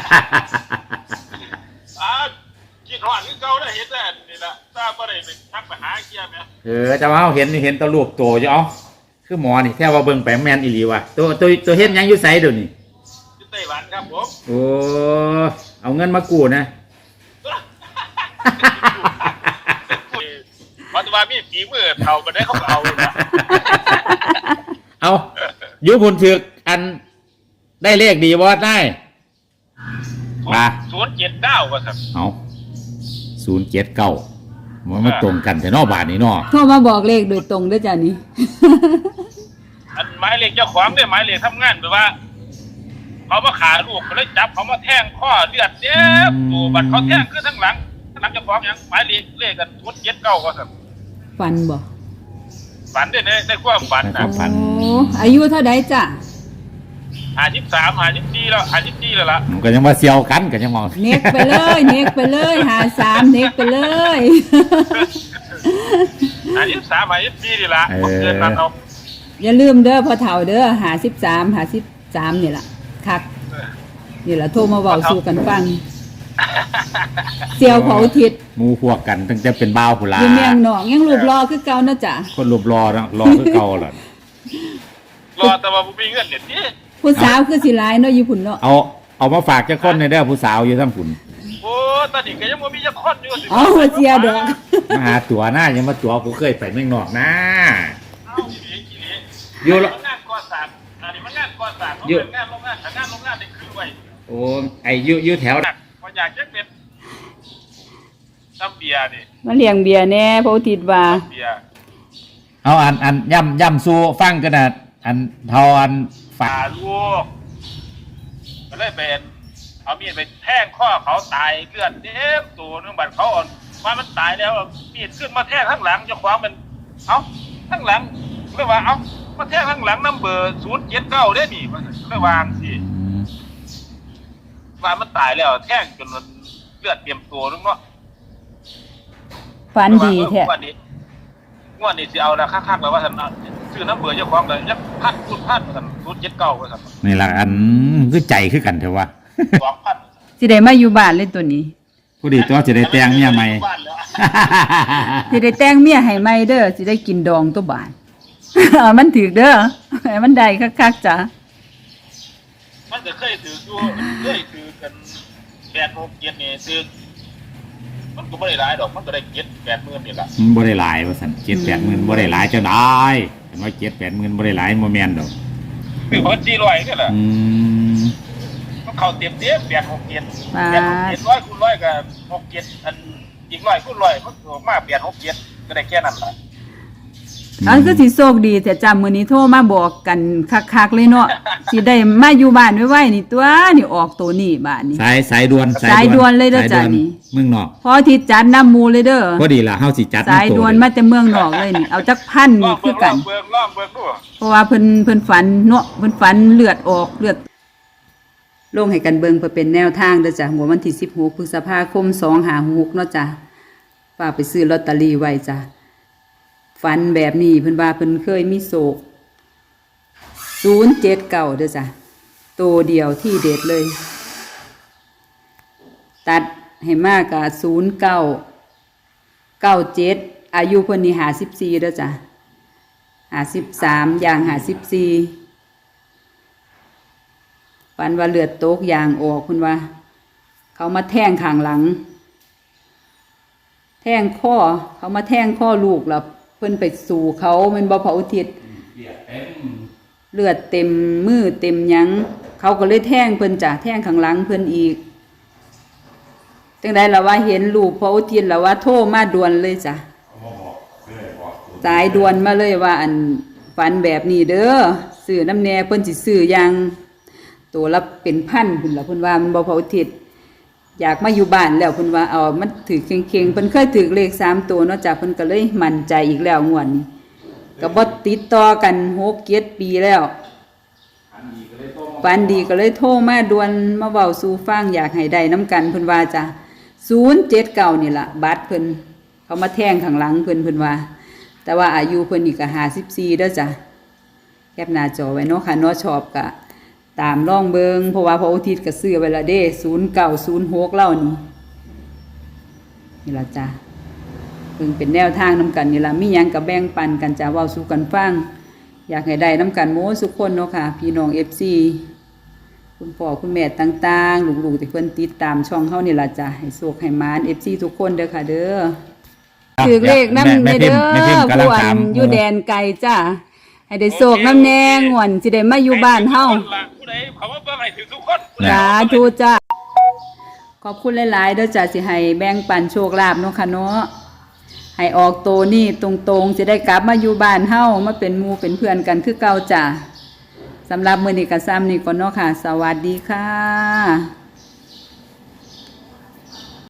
กินหวานคือเก่าได้เห็นแต่นี่ละทราบว่าได้ไปทักไปหาเกียร์ไหมจะว่าเห็นตัวรูปโตอยู่เอาคือหมอนี่แค่ว่าเบิ่งแปลงแมนอีหลีว่ะตัวเฮ็ดยังอยู่ไสเดี๋ยวนี้อยู่ไต้หวันครับผมโอ้เอาเงินมากู้นะปัจจุบันมีฝีมือเท่ากันได้เขาเอาเอายุบุญถึกอันได้เลขดีบ่ได้มา079ว่าครับเอา079มันตรงกันแต่นอกบาทนี่เนาะโทรมาบอกเลขโดยตรงด้วยจ้ะนี่อันหมายเลขเจ้าของได้หมายเลขทำงานแบบว่าเขามาขาลูกเขาเลยจับเขามาแทงข้อเลือดเจ็บตัวบัดเขาแทงขึ้นทั้งหลังเจ้าของยังหมายเลขกัน079ว่าครับฝันบ่ฝันได้ความฝันนะโอ้อายุเท่าใดจ้ะ 53 54แล้ว54แล้วล่ะก็ยังว่าเซียวกันก็ยังมองเน็กไปเลย53เน็กไปเลย 53 54นี่ล่ะเกินนั้นเอาอย่าลืมเด้อพ่อเฒ่าเด้อ53นี่ล่ะคักนี่ล่ะโทรมาเว้าสู่กันฟังเสี่ยวเผาทิศหมู่พวกกันตั้งแต่เป็นบ่าวพุ่นล่ะอยู่เมียงนอกยังรูปรอคือเก่านะจ๊ะคนรูปรอนะรอคือเก่าล่ะรอแต่ว่าบ่มีเงินเนี่ยติผู้สาวคือสิหลายเนาะอยู่พุ่นเนาะเอามาฝากจักคนในเด้อผู้สาวอยู่ทั้งพุ่นโอ้ตอนนี้ก็ยังบ่มีจักคนอยู่สิอ๋อเสียดอกมาหาตั๋วหน้ายังมาตั๋วกูเคยไปเมืองนอกนะอยู่งานก่อสร้างอันนี้มันงานก่อสร้างอยู่งานโรงงานได้คือไว้โอ้ไอ้อยู่แถวบ่อยากจะเป็นน้ำเบียร์นี่มาเลี้ยงเบียร์แน่เพราะติดว่าเอาอันย่ำสู้ฟังกันน่ะอันเท่าอันฝาลูกก็เลยเป็นเอามีดไปแทงข้อเขาตายเลือดเต็มตัวนึงบัดเขาอ่อนว่ามันตายแล้วมีดขึ้นมาแทงข้างหลังเจ้าของมันเอ้าข้างหลังเรียกว่าเอ้ามาแทงข้างหลังน้ำเบอร์079ได้นี่มันเรียกวางสิว่ามันตายแล้วแทงจนเลือดเต็มตัวนึงเนาะฝันดีแท้งวดนี้สิเอาละคักๆแล้วว่าท่านชื่อน้ำเบื่อเจ้าของเลยยักพัดท่าน079ว่าท่านนี่ล่ะอันคือใจคือกันเถอะวะสิได้มาอยู่บ้านเลยตัวนี้ผู้ดีตัวสิได้แต่งเมียใหม่สิได้แต่งเมียให้ใหม่เด้อสิได้กินดองตัวบ้านมันถูกเด้อมันได้คักๆจ้ะมันจะเคยถือกัน8-6-7นี่ซื้อมันก็บ่ได้หลายดอกมันก็ได้7-8 หมื่นนี่ล่ะบ่ได้หลายว่าซั่น7-8 หมื่นบ่ได้หลายจังได๋เห็นว่า7-8 หมื่นบ่ได้หลายบ่แม่นดอกคือบ่400นี่ล่ะมันเข้าเต็ม8-6-7 8-6-7 100 คูณ 100ก็6-7อันอีก100 คูณ 100มันออกมา8-6-7ก็ได้แค่นั้นล่ะอันคือสิโชคดีแต่จำมื้อนี้โทรมาบอกกันคักๆเลยเนาะสิได้มาอยู่บ้านไว้ๆนี่ตัวนี่ออกตัวนี้บ้านนี่สายด่วนเลยเด้อจ้ะนี่เมืองนอกพอที่จัดน้ำมูเลยเด้อพอดีล่ะเฮาสิจัดสายด่วนมาแต่เมืองนอกเลยนี่เอาจักพันนี่คือกันเพราะว่าเพิ่นฝันเนาะเพิ่นฝันเลือดออกเลือดลงให้กันเบิ่งเพื่อเป็นแนวทางเด้อจ้ะหัววันที่16พฤษภาคม2566เนาะจ้ะฝากไปซื้อลอตเตอรี่ไว้จ้ะฝันแบบนี้เพิ่นว่าเพิ่นเคยมีโศก079เด้อจ้ะตัวเดียวที่เด็ดเลยตัดให้มากกับ0997อายุเพิ่นนี่54เด้อจ้ะ53อย่าง54ฝันว่าเลือดตกยางออกเพิ่นว่าเขามาแทงข้างหลังแทงข้อเขามาแทงข้อลูกแล้วเพิ่นไปสู่เขามันบ่เผาทิศเลือดเต็มมือเต็มหยังเขาก็เลยแทงเพิ่นจ้ะแทงข้างหลังเพิ่นอีกจังได๋ล่ะว่าเห็นลูกเผาทิศแล้วว่าโทรมาด่วนเลยจ้ะสายด่วนมาเลยว่าอันฝันแบบนี้เด้อซื้อน้ำแน่เพิ่นสิซื้ออย่างตัวละเป็นพันพุ่นล่ะเพิ่นว่ามันบ่เผาทิศอยากมาอยู่บ้านแล้วเพิ่นว่าเอามันถือเข่งๆเพิ่นเคยถือเลข3ตัวเนาะจ้ะเพิ่นก็เลยมั่นใจอีกแล้วงวดนี้ก็บ่ติดต่อกัน6-7 ปีแล้วฝันดีก็เลยโทรมาด่วนมาเว้าสู่ฟังอยากให้ได้น้ำกันเพิ่นว่าจ้ะ079นี่ล่ะบัตรเพิ่นเขามาแทงข้างหลังเพิ่นว่าแต่ว่าอายุเพิ่นนี่ก็54เด้อจ้ะแคปหน้าจอไว้เนาะค่ะเนาะชอบก็ตามล่องเบิงเพราะว่าพระอุทิศก็ซื้อไว้ละเด้0906เล่านี่ล่ะจ้ะเพิ่งเป็นแนวทางนำกันนี่ล่ะมีหยังก็แบ่งปันกันจ้ะเว้าสู่กันฟังอยากให้ได้นำกันโม้ทุกคนเนาะค่ะพี่น้อง FC คุณพ่อคุณแม่ต่างๆลูกๆที่เพิ่นติดตามช่องเฮานี่ล่ะจ้ะให้โชคให้หมาน FC ทุกคนเด้อค่ะเด้อถือเลขนำแม่เด้อแม่พิมพ์กำลังผู้อัถามนอยู่แดนไกลจ้ะให้ได้โชคนำแน่งวนสิได้มาอยู่บ้านเฮาผู้ใดเขาว่าเบิ่งให้ถึงทุกคนสาธุจ้ะขอบคุณหลายๆเด้อจ้ะสิให้แบ่งปันโชคลาภเนาะค่ะเนาะให้ออกโตนี่ตรงๆสิได้กลับมาอยู่บ้านเฮามาเป็นหมู่เป็นเพื่อนกันคือเก่าจ้ะสำหรับมื้อนี้ก็ซ้ำนี่ก่อนเนาะค่ะ สวัสดีค่ะ